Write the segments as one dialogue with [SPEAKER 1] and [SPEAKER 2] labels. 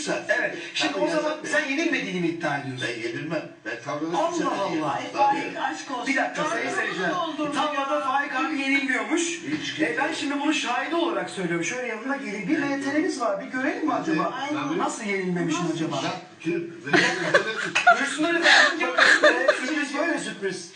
[SPEAKER 1] zaten.
[SPEAKER 2] Evet. Şimdi o zaman sen yenilmediğini mi iddia ediyorsun?
[SPEAKER 1] Ben yenilmem. Ben tavrını
[SPEAKER 2] Allah Allah.
[SPEAKER 3] Faik aşk olsun.
[SPEAKER 2] Bir dakika sayın seyirciler. Tavlada Faik abi yenilmiyormuş.
[SPEAKER 1] Hiç
[SPEAKER 2] Ben şimdi bunu şahidi olarak söylüyorum. Şöyle yanına gelin. Bir MTR'niz var. Bir görelim mi acaba? Nasıl yenilmemişim acaba? Buyursunlar efendim. Sürpriz böyle sürpriz.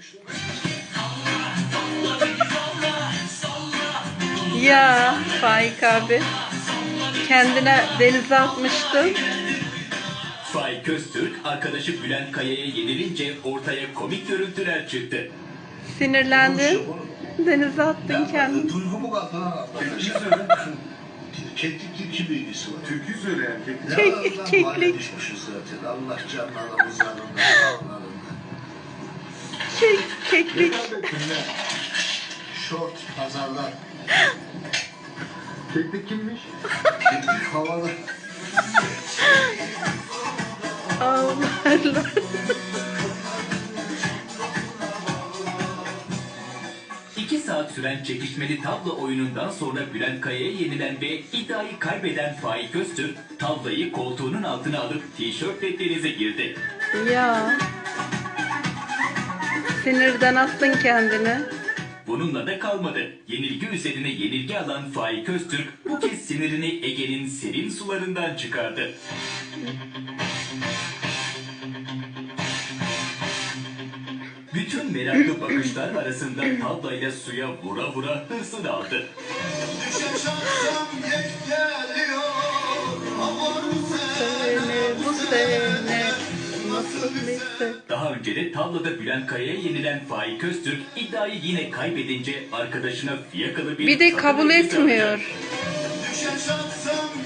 [SPEAKER 4] Ya Faik abi kendine denize atmıştın.
[SPEAKER 5] Faik Öztürk, arkadaşı Bülent Kaya'ya yenilince ortaya komik görüntüler çıktı.
[SPEAKER 4] Sinirlendin. Denize attın kendini.
[SPEAKER 1] Duygumu kaldı. Keklik kim bilgisi var?
[SPEAKER 6] Türkü söyleyen keklik.
[SPEAKER 4] Keklik.
[SPEAKER 1] Düşmüşüz zaten. Allah canlarımız yanında.
[SPEAKER 4] Keklik.
[SPEAKER 1] Şort pazarlar.
[SPEAKER 6] Keklik kimmiş?
[SPEAKER 1] Keklik havalı.
[SPEAKER 4] Allah Allah.
[SPEAKER 5] İki saat süren çekişmeli tavla oyunundan sonra Bülent Kaya'ya yenilen ve iddiayı kaybeden Faik Öztürk, tavlayı koltuğunun altına alıp tişörtle denize girdi.
[SPEAKER 4] Ya. Sinirden attın kendini.
[SPEAKER 5] Bununla da kalmadı. Yenilgi üzerine yenilgi alan Faik Öztürk bu kez sinirini Ege'nin serin sularından çıkardı. Bütün meraklı bakışlar arasında tavlayla suya vura vura hırsını aldı.
[SPEAKER 4] Bu sene nasıl neyse.
[SPEAKER 5] Daha önce de tavlada Bülent Kaya'ya yenilen Faik Öztürk iddiayı yine kaybedince arkadaşına fiyakalı
[SPEAKER 4] Bir de kabul
[SPEAKER 5] elbise alacak.
[SPEAKER 4] etmiyor.
[SPEAKER 1] Düşen şansım